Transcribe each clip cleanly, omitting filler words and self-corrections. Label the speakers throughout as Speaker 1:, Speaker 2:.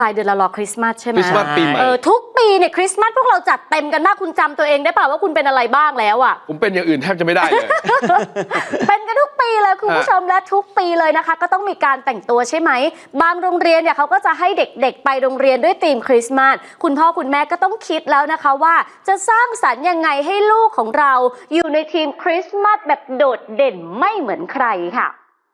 Speaker 1: ปลายเดือนเรารอคริสต์มาสใช่ไหม
Speaker 2: คริสต์มาสปีใหม่
Speaker 1: ทุกปีเนี่ยคริสต์มาสพวกเราจัดเต็มกันมากคุณจำตัวเองได้เปล่าว่าคุณเป็นอะไรบ้างแล้วอ่ะ
Speaker 2: ผมเป็นอย่างอื่นแทบจะไม่ได้เลย
Speaker 1: เป็นกันทุกปีเลยคุณผู้ชมและทุกปีเลยนะคะก็ต้องมีการแต่งตัวใช่ไหมบางโรงเรียนเนี่ยเขาก็จะให้เด็กๆไปโรงเรียนด้วยธีมคริสต์มาสคุณพ่อคุณแม่ก็ต้องคิดแล้วนะคะว่าจะสร้างสรรค์ยังไงให้ลูกของเราอยู่ในทีมคริสต์มาสแบบโดดเด่นไม่เหมือนใครค่ะ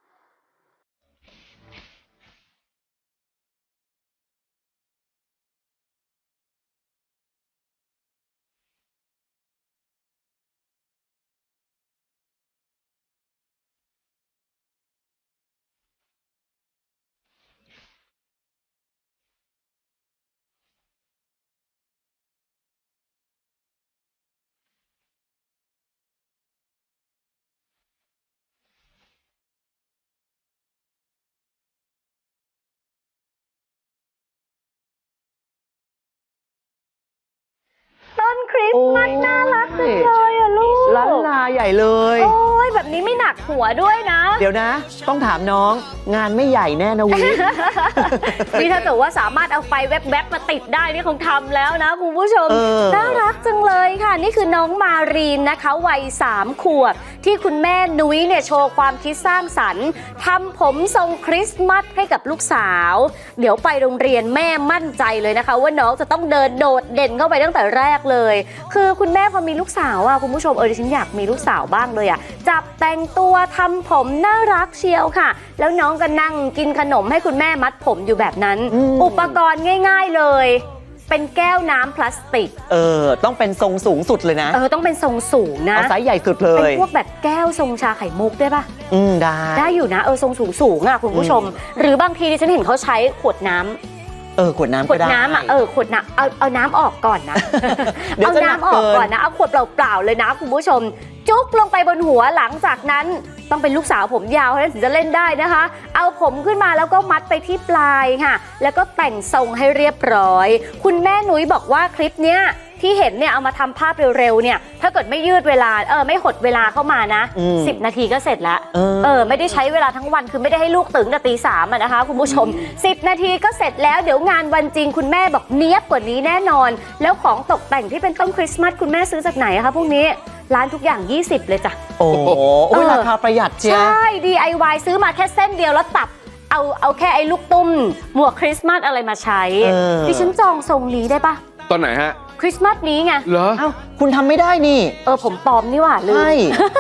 Speaker 1: ต้นคริสต์มาสน่ารักจังเลยอะลูก
Speaker 3: ล้านลาใหญ่เลย
Speaker 1: โอ้ยแบบนี้ไม่หนักหัวด้วยนะ
Speaker 3: เดี๋ยวนะต้องถามน้องงานไม่ใหญ่แน่นะวิ
Speaker 1: นี่ถ้าเกิดว่าสามารถเอาไฟแวบๆมาติดได้นี่คงทำแล้วนะคุณผู้ชมน่ารักจังเลยค่ะนี่คือน้องมารีนนะคะวัย3 ขวบที่คุณแม่นุ้ยเนี่ยโชว์ความคิดสร้างสรรค์ทำผมทรงคริสต์มาสให้กับลูกสาวเดี๋ยวไปโรงเรียนแม่มั่นใจเลยนะคะว่าน้องจะต้องเดินโดดเด่นเข้าไปตั้งแต่แรกเลยคือคุณแม่พอมีลูกสาวคุณผู้ชมดิฉันอยากมีลูกสาวบ้างเลยจับแต่งตัวทำผมน่ารักเชียวค่ะแล้วน้องก็นั่งกินขนมให้คุณแม่มัดผมอยู่แบบนั้นอุปกรณ์ง่ายๆเลยเป็นแก้วน้ำพลาสติก
Speaker 3: ต้องเป็นทรงสูงสุดเลยนะ
Speaker 1: ต้องเป็นทรงสูงนะ
Speaker 3: เอาไซส์ใหญ่สุดเลย
Speaker 1: เป็นพวกแบบแก้วทรงชาไข่มุกได้ปะได้อยู่นะทรงสูงคุณผู้ชมหรือบางทีดิฉันเห็นเขาใช้ขวดน้ำ
Speaker 3: ขวดน้ำ
Speaker 1: ขวดน้ำขวดน้ำเอาน้ำออกก่อนนะ เอาน้ำออกก่อนนะเอาขวดเปล่าๆเลยนะคุณผู้ชมจุ๊กลงไปบนหัวหลังจากนั้นต้องเป็นลูกสาวผมยาวถึงจะเล่นได้นะคะเอาผมขึ้นมาแล้วก็มัดไปที่ปลายค่ะแล้วก็แต่งทรงให้เรียบร้อยคุณแม่นุ้ยบอกว่าคลิปเนี้ยที่เห็นเนี่ยเอามาทำภาพเร็วๆเนี่ยถ้าเกิดไม่ยืดเวลาไม่หดเวลาเข้ามานะ10 นาทีก็เสร็จแล้วไม่ได้ใช้เวลาทั้งวันคือไม่ได้ให้ลูกตื่นแต่ตี 3นะคะคุณผู้ชม10 นาทีก็เสร็จแล้วเดี๋ยวงานวันจริงคุณแม่บอกเนี้ยบกว่านี้แน่นอนแล้วของตกแต่งที่เป็นต้นคริสต์มาสคุณแม่ซื้อจากไหนคะพวกนี้ร้านทุกอย่าง20เลยจ้ะ
Speaker 3: โอ้โหราคาประหยัดเชียว
Speaker 1: ใช่ DIY ซื้อมาแค่เส้นเดียวแล้วตัดเอาแค่ไอ้ลูกตุ้มหมวกคริสต์มาสอะไรมาใช้ดิฉันจองทรงนี้ได้ปะ
Speaker 2: ตอนไหนฮะ
Speaker 1: คริสต์มาสนี้ไง
Speaker 2: เหรอ
Speaker 3: คุณทำไม่ได้นี่
Speaker 1: ผมปลอมนี่หว่าลืม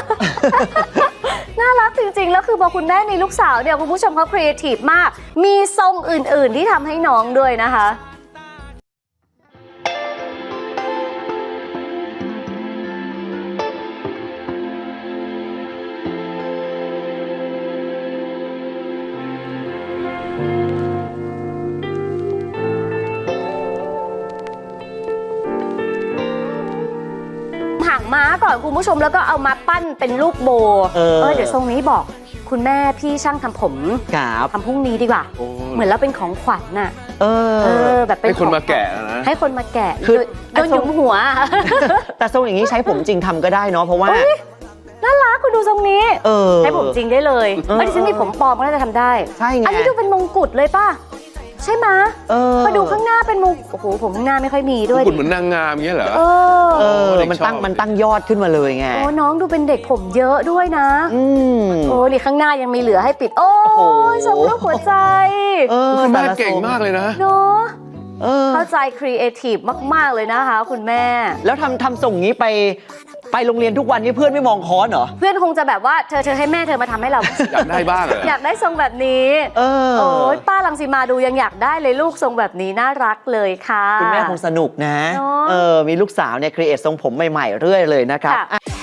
Speaker 1: น่ารักจริงๆแล้วคือพอคุณแม่มีลูกสาวเนี่ยคุณผู้ชมเขาครีเอทีฟมากมีทรงอื่นๆที่ทำให้น้องด้วยนะคะหางม้าก่อนคุณผู้ชมแล้วก็เอามาปั้นเป็นรูปโบเดี๋ยวทรงนี้บอกคุณแม่พี่ช่างทำผมทำพรุ่งนี้ดีกว่าเหมือนแล้วเป็นของขวัญน่ะแบบเป็น
Speaker 2: ให้คนมาแกะนะ
Speaker 1: ให้คนมาแกะคือโดนหยุมหัว
Speaker 3: แต่ทรงอย่างนี้ใช้ผมจริงทำก็ได้เนาะเพราะว่า
Speaker 1: น่ารักคุณดูทรงนี้ใช้ผมจริงได้เลยดิฉันมีผมปลอมก็น่าจะทำได้
Speaker 3: ใช่ไง
Speaker 1: อันนี้ดูเป็นมงกุฎเลยป่ะใช่ไหมมาดูข้างหน้าเป็นมุกโอ้โหผมข้างหน้าไม่ค่อยมีด้วย
Speaker 2: คุณเหมือนนางงามอย่างเงี้ยเหรอ
Speaker 3: มันตั้งยอดขึ้นมาเลยไง
Speaker 1: โอ้น้องดูเป็นเด็กผมเยอะด้วยนะโอ้นี่ข้างหน้ายังมีเหลือให้ปิดโอ้ยทรงรูปหัวใจ
Speaker 2: คุณแม่เก่งมากเลยนะ
Speaker 1: เนาะเข้าใจครีเอทีฟมากๆเลยนะคะคุณแม่
Speaker 3: แล้วทำส่งนี้ไปโรงเรียนทุกวันนี้เพื่อนไม่มองค้อนเหรอ
Speaker 1: เพื่อนคงจะแบบว่าเธอให้แม่เธอมาทำให้เรา
Speaker 2: อยากได้บ้างเหรอ
Speaker 1: อยากได้ทรงแบบนี้โอ้ยป้ารังสีมาดูยังอยากได้เลยลูกทรงแบบนี้น่ารักเลยค่ะ
Speaker 3: คุณแม่คงสนุกนะมีลูกสาวเนี่ยครีเอททรงผมใหม่ๆเรื่อยเลยนะครับ